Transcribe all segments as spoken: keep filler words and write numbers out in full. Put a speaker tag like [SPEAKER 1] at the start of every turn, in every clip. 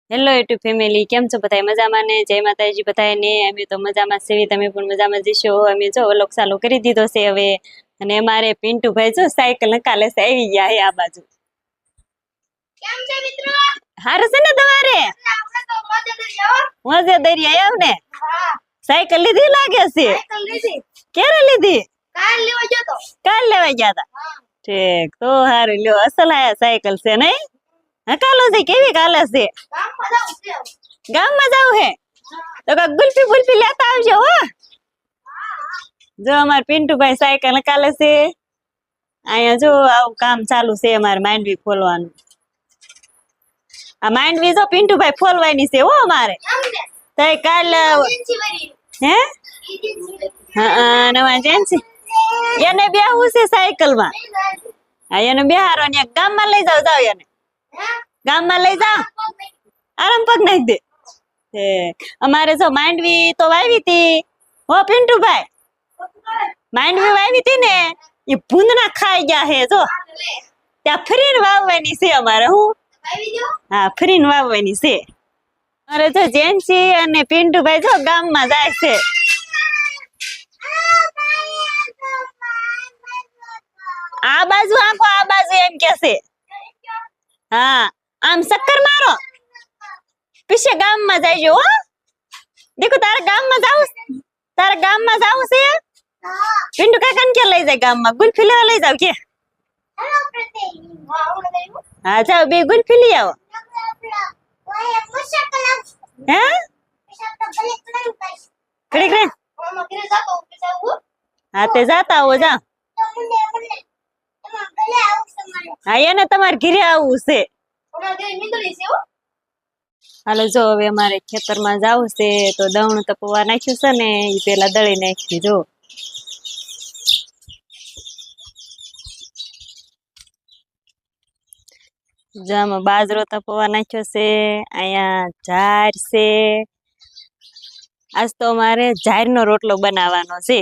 [SPEAKER 1] Hello YouTube family, કેમ છો બધા? મજામાં ને? જય માતાજી બધાને. અમે તો મજામાં છે, તમે પણ મજામાં જશો. અમે જો વ્લોગ ચાલુ કરી દીધો છે હવે. અને અમારે પિન્ટુભાઈ જો સાયકલ નકાલે છે, આવી ગયા હે આ બાજુ.
[SPEAKER 2] કેમ છે મિત્રો?
[SPEAKER 1] હારું છે ને તમારે?
[SPEAKER 2] આપણે તો મોજે દરિયા હો.
[SPEAKER 1] મજે દરિયા આવ ને.
[SPEAKER 2] હા,
[SPEAKER 1] સાયકલ લીધી લાગે છે.
[SPEAKER 2] સાયકલ લીધી.
[SPEAKER 1] ક્યારે લીધી?
[SPEAKER 2] કાલ લેવા ગયો તો.
[SPEAKER 1] કાલ લેવા ગયા હતા.
[SPEAKER 2] હા,
[SPEAKER 1] ઠીક, તો હારું લ્યો. અસલ આયા સાયકલ છે નહીં? હકાલો છે, કેવી કાલે છે?
[SPEAKER 2] ગામમાં જાઉં છે.
[SPEAKER 1] ગામમાં જાવ હે તો કાક ગુલ્ફી ગુલ્ફી લેતા આવજો હો. જો અમાર પિન્ટુભાઈ સાયકલ કાલે છે. અહીંયા જો આવું કામ ચાલુ છે અમારે માંડવી ફોલવાનું. આ માંડવી જો પિન્ટુભાઈ ફોલવાની છે હો અમારે.
[SPEAKER 2] કેમ ને?
[SPEAKER 1] તો એ કાલ
[SPEAKER 2] એજન્સી વાળી.
[SPEAKER 1] હે
[SPEAKER 2] એજન્સી.
[SPEAKER 1] હા નવા જેન્સી એને બેહવું છે સાયકલ માં. હા એને બેહારો ને ગામમાં લઈ જાવ જાવ એને
[SPEAKER 2] હા,
[SPEAKER 1] ગામમાં લઈ જાવ આરામ પગ નાખી દે. હે અમારે જો માંડવી તો વાવી હતી હો પિન્ટુભાઈ. માંડવી વાવી હતી ને એ ભૂંદના ખાઈ ગયા હે જો. ત્યાં ફરીને વાવવાની છે અમારે. હું
[SPEAKER 2] આવી ગયો.
[SPEAKER 1] હા ફરીને વાવવાની છે અરે જો જેન્સી અને પિન્ટુભાઈ જો ગામમાં જાય છે. આ બાજુ આંખો આ બાજુ એમ કે છે. હા આમ ચક્કર મારો પીછે ગામમાં જાયજો હો. દેખો તારા ગામમાં જાવ તારા ગામમાં જાવ છે.
[SPEAKER 2] હા,
[SPEAKER 1] પિન્ટુ કાકાને કે લઈ જાય ગામમાં ગુલ્ફી લેવા લઈ જાવ કે.
[SPEAKER 2] હેલો પ્રતિ. હા, હું લઈ
[SPEAKER 1] હા જાવ બે ગુલ્ફી લઈ આવો.
[SPEAKER 2] ઓય મુસાકલ
[SPEAKER 1] હે
[SPEAKER 2] મુસાકલ ભલે કરું પાસ.
[SPEAKER 1] ઘડી ઘડી
[SPEAKER 2] મામા ઘરે જાતો પૈસા હું.
[SPEAKER 1] હા તે જાતા આવો જા.
[SPEAKER 2] તો મુંડે મુંડે. એમાં ભલે આવું તમારે.
[SPEAKER 1] હા એને તમારે ઘરે આવવું છે.
[SPEAKER 2] ઓના ઘરે નીકળી છે હો.
[SPEAKER 1] હાલો જો હવે અમારે ખેતરમાં જાવું છે તો દવણું તપવા નાખ્યું છે ને એ પેલા દળી નાખ્યું જો. જામાં બાજરો તપવા નાખ્યો છે. અહીંયા ઝાર છે. આજ તો અમારે ઝારનો રોટલો બનાવવાનો છે.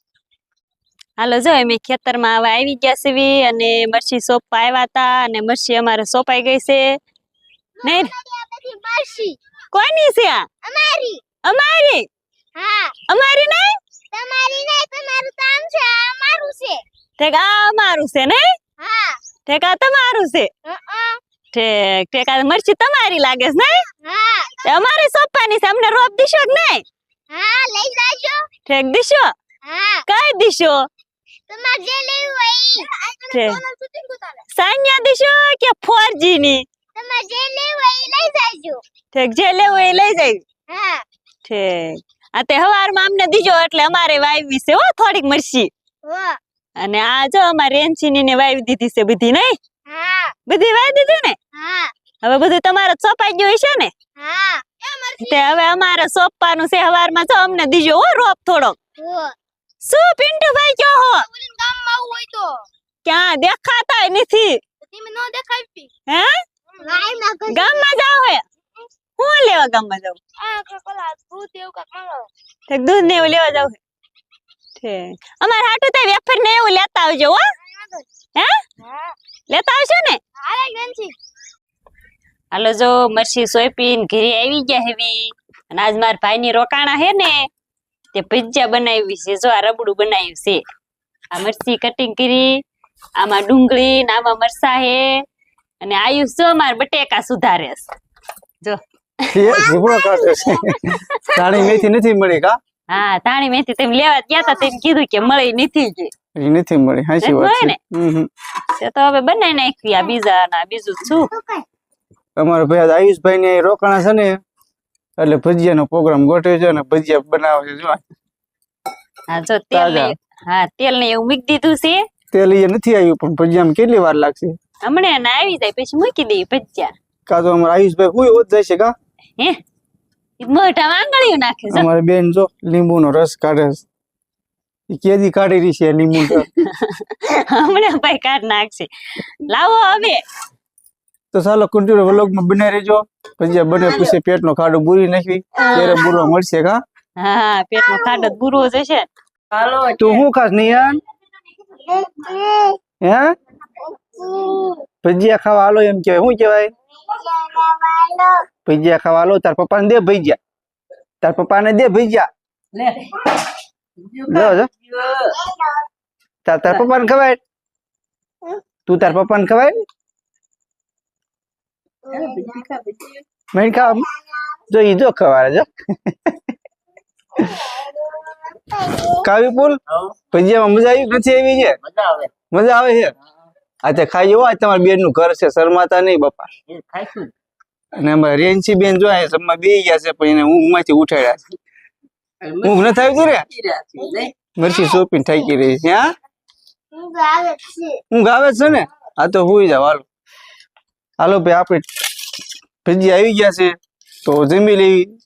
[SPEAKER 1] હાલો જો અમે ખેતરમાં હવે આવી ગયા છે અને મરચી સોંપવા આવ્યા હતા અને મરચી અમારે સોંપાઈ ગઈ છે. નહીં
[SPEAKER 2] બધી માસી
[SPEAKER 1] કોની છે આ?
[SPEAKER 2] અમારી.
[SPEAKER 1] અમારી
[SPEAKER 2] હા,
[SPEAKER 1] અમારી નહીં
[SPEAKER 2] તમારી નહીં, તમારું કામ છે, આ અમારું છે.
[SPEAKER 1] ઠેક આ અમારું છે નહીં
[SPEAKER 2] હા.
[SPEAKER 1] ઠેક આ તમારું છે.
[SPEAKER 2] હા.
[SPEAKER 1] ઠેક ઠેક આ મરચી તમારી લાગે છે નહીં?
[SPEAKER 2] હા.
[SPEAKER 1] તે અમારે સોંપવાની છે. અમને રોપ દીશો કે નહીં?
[SPEAKER 2] હા, લઈ જાજો.
[SPEAKER 1] ઠેક દીશો
[SPEAKER 2] હા,
[SPEAKER 1] કઈ દીશો?
[SPEAKER 2] તમારે જે લેવું હોય ઈ.
[SPEAKER 1] છે.
[SPEAKER 2] સોનલ શૂટિંગ ઉતારે.
[SPEAKER 1] સાન્યા દીશો કે ફોરજી ની?
[SPEAKER 2] તમારે જે લેવું હોય ઈ લઈ જાજો.
[SPEAKER 1] ઠેક જે લેવું એ લઈ જાય.
[SPEAKER 2] હા.
[SPEAKER 1] ઠેક આ તે હવારમાં અમને દીજો એટલે અમારે વાવી છે હો થોડીક મરચી.
[SPEAKER 2] હો.
[SPEAKER 1] અને આ જો અમારે રેન્ચીની ને વાવી દીધી છે બધી નહીં?
[SPEAKER 2] હા.
[SPEAKER 1] બધી વાવી દીધી ને?
[SPEAKER 2] હા.
[SPEAKER 1] હવે બધું તમારે સોંપાઈ ગયું હશે ને?
[SPEAKER 2] હા. એ મરસી.
[SPEAKER 1] તે હવે અમારે સોંપવાનું છે હવારમાં જો અમને દીજો હો રોપ થોડોક.
[SPEAKER 2] હો.
[SPEAKER 1] શું પિન્ટુભાઈ કયો હો?
[SPEAKER 2] ઓલીન ગામમાં આવું હોય તો
[SPEAKER 1] ક્યાં દેખાતાય નથી?
[SPEAKER 2] તમે નો દેખાવી.
[SPEAKER 1] હે
[SPEAKER 2] ગાયમાં ઘર.
[SPEAKER 1] ગામમાં જાવ હે? હું લેવા ગામમાં જાવ?
[SPEAKER 2] આ કકલા ભૂત એવું કાક માંગો.
[SPEAKER 1] ઠેક દૂધ ને એવું લેવા જાવ હે? ઠેક અમારે હાટું તો વેફર ને એવું લેતા આવજો હો. હે
[SPEAKER 2] હા.
[SPEAKER 1] લેતા આવશો ને?
[SPEAKER 2] આરે ગંજી.
[SPEAKER 1] હાલો જો મરસી સોયપીન ઘરે આવી ગયા હેવી અને આજ માર ભાઈની રોકાણા હે ને તે ભજીયા બનાવી છે. જો આ રબડું બનાવ્યું છે. આ મરસી કટિંગ કરી, આમાં ડુંગળી ને આમાં મરસા હે અને આયુષ જો માર બટેકા સુધારે છે. જો
[SPEAKER 3] જીબડો કાઢે છે. તાણી મેથી નથી મળી કા?
[SPEAKER 1] હા તાણી મેથી તેમ લેવા ગયા તા તેમ કીધું કે મળી નથી કે
[SPEAKER 3] એ નથી મળી. હાચી વાત છે. હમ
[SPEAKER 1] તે તો હવે બનાવી નાખી આ બીજા ના બીજું શું.
[SPEAKER 3] અમારા ભાઈ આયુષભાઈ ને રોકાણા છે ને એટલે ભજીયાનો પ્રોગ્રામ ગોઠવ્યો છે અને ભજીયા બનાવે છે. જો
[SPEAKER 1] હા જો તેલ ને હા તેલ ને એવું મૂકી દીધું છે.
[SPEAKER 3] તેલ એ નથી આવ્યું પણ ભજીયામાં કેટલી વાર લાગશે?
[SPEAKER 1] હમણાં ના આવી જાય પછી મૂકી દઈએ ભજીયા.
[SPEAKER 3] કા તો અમારા આયુષભાઈ કોઈ હોત જાય છે કા?
[SPEAKER 1] હે ઈ મોઢા આંગળીઓ નાખે છે.
[SPEAKER 3] અમારી બેન જો લીંબુનો રસ કાઢે છે. ઈ કેદી કાઢી રહી છે લીંબુ રસ?
[SPEAKER 1] હમણાં ભાઈ કાઢ નાખશે. લાવો હવે
[SPEAKER 3] તો ચાલો કન્ટિન્યુ વ્લોગમાં બનાવી રહેજો. ભજીયા બને પછી પેટનો ખાડો બુરી નાખવી ત્યારે બુરો મળશે કા?
[SPEAKER 1] હા પેટનો ખાડો બુરો જશે. હાલો
[SPEAKER 3] તું શું ખાસ નિયાન? હે ભજીયા ખાવા હાલો એમ કહેવાય. શું કહેવાય? ભજીયા ખાવા લો તાર પપ્પાને દે ભજીયા તાર પપ્પાને દે ભજીયા જો જો તાર તાર પપ્પાને ખવાય તું તાર પપ્પાને ખવાય મેં ખાવ જો ઈ જો ખવાય જો કાવી પુલ ભજીયામાં મજા આવી નથી આવી છે
[SPEAKER 4] મજા આવે
[SPEAKER 3] મજા આવે છે આ તે ખાઈ જવો તમારા બેન નું ઘર છે શરમાતા નહીં બાપા
[SPEAKER 4] એ ખાઈશું
[SPEAKER 3] અને અમારે રેન્સી બેન જો આ જમવા બેહી ગયા છે પણ એને ઊંઘ માંથી ઉઠાડ્યા છે ઊંઘ નથી આવી રે મરચી સોપીને થાકી રહી છે હા ઊંઘ આવે છે ને આ તો હુઈ જાવ હાલો હાલો ભાઈ આપણે ભજીયા આવી ગયા છે તો જમી લેવી